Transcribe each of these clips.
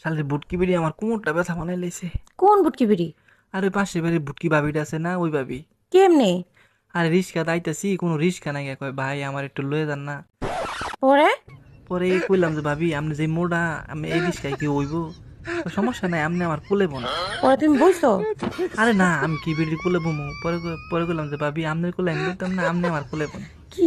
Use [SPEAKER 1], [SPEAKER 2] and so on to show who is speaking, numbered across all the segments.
[SPEAKER 1] শালে বুটকি বিড়ি আমার কোমরটা ব্যথা বানাই লাইছে।
[SPEAKER 2] কোন বুটকি বিড়ি?
[SPEAKER 1] আর ওই পাশের বাড়ির বুটকি ভাবিটা আছে না, ওই ভাবি।
[SPEAKER 2] কেমনে?
[SPEAKER 1] আরে রিক্সা দাইতাছি, কোনো রিক্সা নাই, কয় ভাই আমার একটু লয়ে যান না।
[SPEAKER 2] পরে?
[SPEAKER 1] পরে কইলাম যে ভাবি আপনি যে মোড়া, আমি এই রিক্সায় কি হইব? সমস্যা নাই, আপনি আমার কোলে বোন।
[SPEAKER 2] পরে তুমি বলছো?
[SPEAKER 1] আরে না, আমি কি বিড়ি কোলে বমু? পরে কইলাম যে ভাবি আপনার কোলে আমি বলতাম না, আপনি আমার কোলে বোন।
[SPEAKER 2] কি?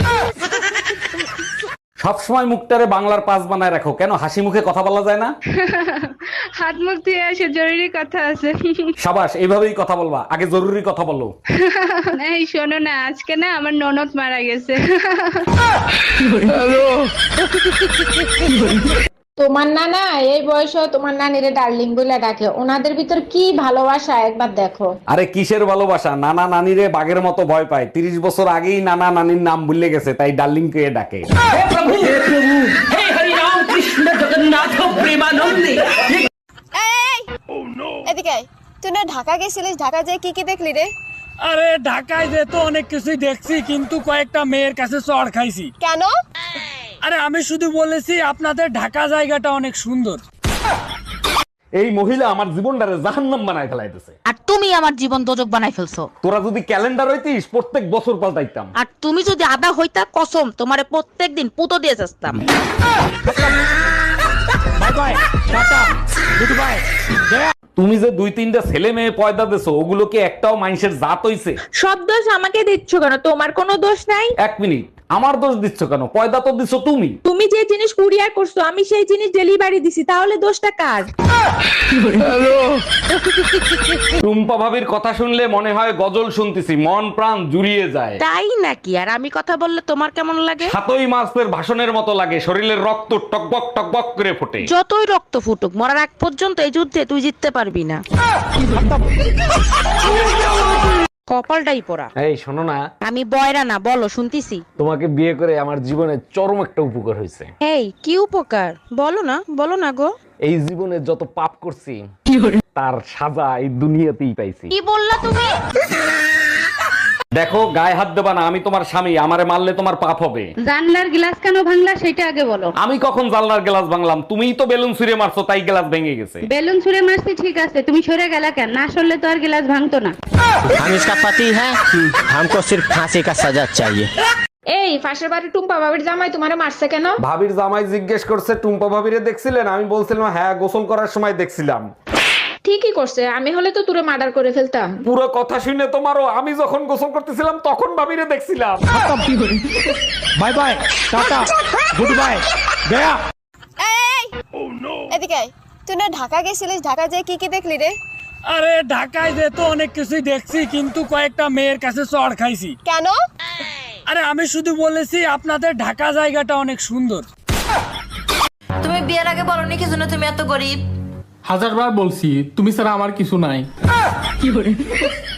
[SPEAKER 3] সবসময় মুখটারে বাংলার পাস বানায় রাখো কেন? হাসি মুখে কথা বলা যায় না?
[SPEAKER 4] হাত মুখ ধুয়ে আসে, জরুরি কথা আছে।
[SPEAKER 3] সাবাস, এইভাবেই কথা বলবা, আগে জরুরি কথা বলো।
[SPEAKER 4] এই শোনো না, আজকে না আমার ননদ মারা গেছে।
[SPEAKER 5] তোমার নানা এই বয়সে তোমার নানিরে ডার্লিং বলে ডাকে, ওনাদের ভিতর কি ভালোবাসা একবার দেখো।
[SPEAKER 3] আরে কিসের ভালোবাসা, নানা নানিরে বাঘের মতো ভয় পায়। 30 বছর আগেই নানা নানির নাম ভুলে গেছে, তাই ডার্লিং কে ডাকে।
[SPEAKER 6] এদিকে আয়। তুই না ঢাকা গেছিলিস, ঢাকা যেয়ে কি কি দেখলি রে?
[SPEAKER 7] আরে ঢাকায় যে তো অনেক কিছুই দেখছি, কিন্তু কয়েকটা মেয়ের কাছে চড় খাইছি।
[SPEAKER 6] কেন?
[SPEAKER 7] আরে আমি শুধু বলেছি আপনাদের ঢাকা জায়গাটা অনেক সুন্দর।
[SPEAKER 3] এই মহিলা আমার জীবনটারে জাহান্নাম বানায় ফেলাইতেছে।
[SPEAKER 2] আর তুমি আমার জীবন দোজক বানাই ফেলছো।
[SPEAKER 3] তোরা যদি ক্যালেন্ডার হইতিস প্রত্যেক বছর পাল্টাইতাম।
[SPEAKER 2] আর তুমি যদি আদা হইতা, কসম তোমারে প্রত্যেকদিন পুতো দিয়ে যাস্তাম।
[SPEAKER 7] Bye bye, tata, good bye.
[SPEAKER 3] তুমি যে 2-3টা ছেলে মেয়ে পয়দা দেছো, ওগুলো কি একটাও মানুষের জাত হইছে?
[SPEAKER 8] সব দোষ আমাকে দিচ্ছ কেন? তোমার কোনো দোষ নাই।
[SPEAKER 3] 1 মিনিট, আমার দোষ দিচ্ছ কেন? পয়দা তো দিছো তুমি।
[SPEAKER 8] তুমি যে জিনিস কুরিয়ার করছো আমি সেই জিনিস ডেলিভারি দিছি, তাহলে দোষটা কার?
[SPEAKER 3] টুম্পা ভাবির কথা শুনলে মনে হয় গজল শুনতেছি, মন প্রাণ জুড়িয়ে যায়।
[SPEAKER 2] তাই নাকি? আর আমি কথা বললে তোমার কেমন লাগে?
[SPEAKER 3] সাতই মাসের ভাষণের মতো লাগে, শরীরের রক্ত টকবক টকবক করে ফোটে।
[SPEAKER 2] যতই রক্ত ফুটুক, মরার আগ পর্যন্ত এই যুদ্ধে তুই জিততে পারবি না। কপালটাই পোড়া।
[SPEAKER 3] এই শোনো না,
[SPEAKER 2] আমি বয়রা না, বলো শুনতিছি।
[SPEAKER 3] তোমাকে বিয়ে করে আমার জীবনে চরম একটা উপকার হয়েছে।
[SPEAKER 2] এই কি উপকার? বলো না গো।
[SPEAKER 3] এই জীবনে যত পাপ করছি তার সাজা এই দুনিয়াতেই পাইছি।
[SPEAKER 2] কি বললা তুমি?
[SPEAKER 3] দেখো, গায়ে হাত দেবা না, আমি তোমার স্বামী, আমারে মারলে তোমার পাপ হবে।
[SPEAKER 4] জানলার গ্লাস কেন ভাঙলা সেটা আগে বলো।
[SPEAKER 3] আমি কখন জানলার গ্লাস ভাঙলাম? তুমিই তো বেলুন ছুঁড়ে মারছো, তাই গ্লাস ভেঙে গেছে।
[SPEAKER 4] বেলুন ছুঁড়ে মারছি ঠিক আছে, তুমি সরে গেলা কেন? না সরলে তো আর গ্লাস ভাঙতো না।
[SPEAKER 9] हम इसका पति है, हमको सिर्फ फांसी का सजा चाहिए।
[SPEAKER 5] এই পাশের বাড়ি টুম্পা বাবির জামাই তোমারে মারছে কেন?
[SPEAKER 3] ভাবির জামাই জিজ্ঞেস করছে টুম্পা ভাবিরে দেখছিলেন? আমি বলছিলাম হ্যাঁ, গোসল করার সময় দেখছিলাম।
[SPEAKER 5] ঠিকই করছে, আমি হলে তো তোরে মার্ডার করে ফেলতাম।
[SPEAKER 3] পুরো কথা শুনে তোমারও, আমি যখন গোসল করতেছিলাম তখন ভাবিরে দেখছিলাম।
[SPEAKER 7] Bye bye, tata, good bye, গয়া।
[SPEAKER 6] এদিকে আয়। তুই না ঢাকা গেছিলিস, ঢাকা যেয়ে কি কি দেখলি রে?
[SPEAKER 7] আরে ঢাকায় যে তো অনেক কিছুই দেখছি, কিন্তু কয়েকটা মেয়ের কাছে চড় খাইছি।
[SPEAKER 6] কেন?
[SPEAKER 7] আরে আমি শুধু বলেছি আপনাদের ঢাকা জায়গাটা অনেক সুন্দর।
[SPEAKER 8] তুমি বিয়ের আগে বলনি কি জন্য তুমি এত গরিব?
[SPEAKER 10] 1000বার বলছি, তুমি ছাড়া আমার কিছু নাই।